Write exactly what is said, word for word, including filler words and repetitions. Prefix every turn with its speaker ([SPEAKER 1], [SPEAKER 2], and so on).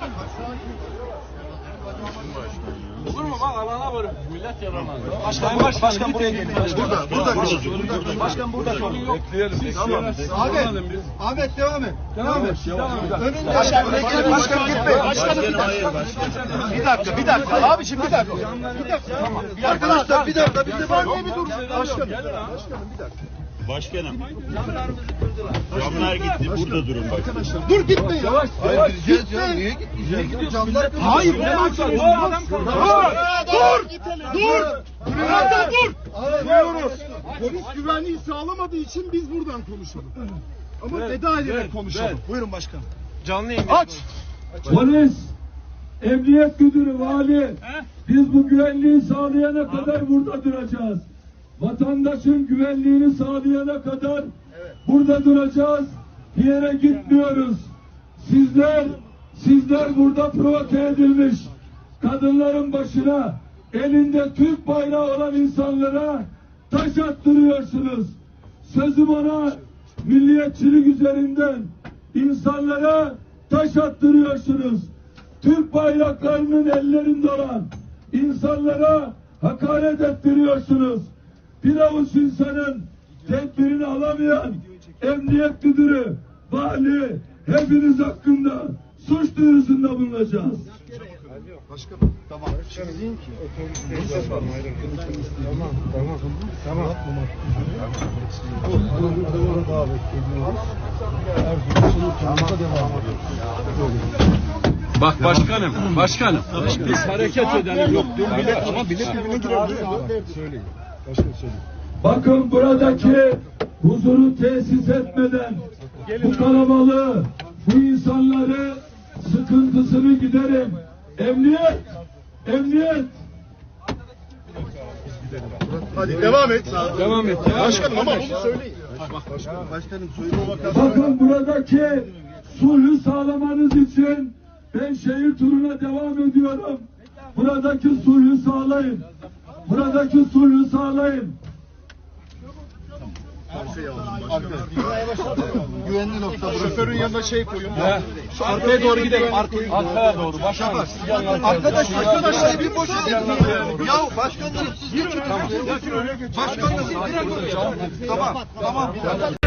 [SPEAKER 1] Olur mu bak alana var. Millet yaramaz.
[SPEAKER 2] Başkan, başkan, başkan buraya gelin. Burada, burada, burada. Başkan burada.
[SPEAKER 1] Bekleyelim.
[SPEAKER 2] Tamam.
[SPEAKER 3] Ahmet, Ahmet devam et.
[SPEAKER 1] Devam et.
[SPEAKER 3] Önünde.
[SPEAKER 2] Başkan, bekleyin. Başkan gitmeyin. Başkanım bir dakika. Bir dakika, bir dakika. Abiciğim bir dakika. Bir dakika. Tamam.
[SPEAKER 3] Arkadaşlar bir dakika. Biz de var diye bir dur.
[SPEAKER 2] Başkanım. Başkanım bir dakka.
[SPEAKER 4] Başkanım. Camlar gitti. Burada durun.
[SPEAKER 3] Arkadaşlar dur gitmeyin.
[SPEAKER 1] Yavaş,
[SPEAKER 3] yavaş. Gitmeyin. Niye gidiyorsun? Niye gidiyorsun? Camlar
[SPEAKER 2] Hayır. Ne yapıyorsun? Dur. Dur. Dur. Burada dur. Duyuyoruz. Polis güvenliği sağlamadığı için biz buradan konuşalım. Ama veda ederek konuşalım. Buyurun başkanım.
[SPEAKER 1] Canlı yayın.
[SPEAKER 2] Aç.
[SPEAKER 5] Polis, emniyet müdürü, vali, biz bu güvenliği sağlayana kadar burada duracağız. Vatandaşın güvenliğini sağlayana kadar burada duracağız. Bir yere gitmiyoruz. Sizler, sizler burada provoke edilmiş kadınların başına elinde Türk bayrağı olan insanlara taş attırıyorsunuz. Sözüm ona milliyetçilik üzerinden insanlara taş attırıyorsunuz. Türk bayraklarının ellerinde olan insanlara hakaret ettiriyorsunuz. Bir avuç insanın tedbirini alamayan emniyet müdürü, vali, hepiniz hakkında suç duyurusunda bulunacağız.
[SPEAKER 3] Başkanım tamam. Sizin ki. Tamam tamam tamam.
[SPEAKER 1] Bak başkanım, başkanım. Biz hareket edelim. Yok, dur bilir.
[SPEAKER 3] Ama bilet birbirine girer. Söyleyin. Başkanım söyleyin.
[SPEAKER 5] Bakın buradaki huzuru tesis etmeden bu kalabalığı, bu insanları sıkıntısını giderin. Emniyet, emniyet.
[SPEAKER 2] Hadi devam et.
[SPEAKER 1] Devam et.
[SPEAKER 2] Başkanım ama bunu söyleyin.
[SPEAKER 3] Başkanım, başkanım söyleyin.
[SPEAKER 5] Bakın buradaki sulhü sağlamanız için ben şehir turuna devam ediyorum. Buradaki sulhü sağlayın. Buradaki sulhü sağlayın.
[SPEAKER 3] Güvenli nokta.
[SPEAKER 2] Şoförün yanına şey koyun.
[SPEAKER 1] Şu arkaya doğru gidelim. Arkaya, arkaya doğru. Başkanım.
[SPEAKER 3] Arkadaş, arkadaşlar bir boş edin. Ya başkanlarım siz de çıkın. Başkanlarım bir dakika. Tamam, tamam.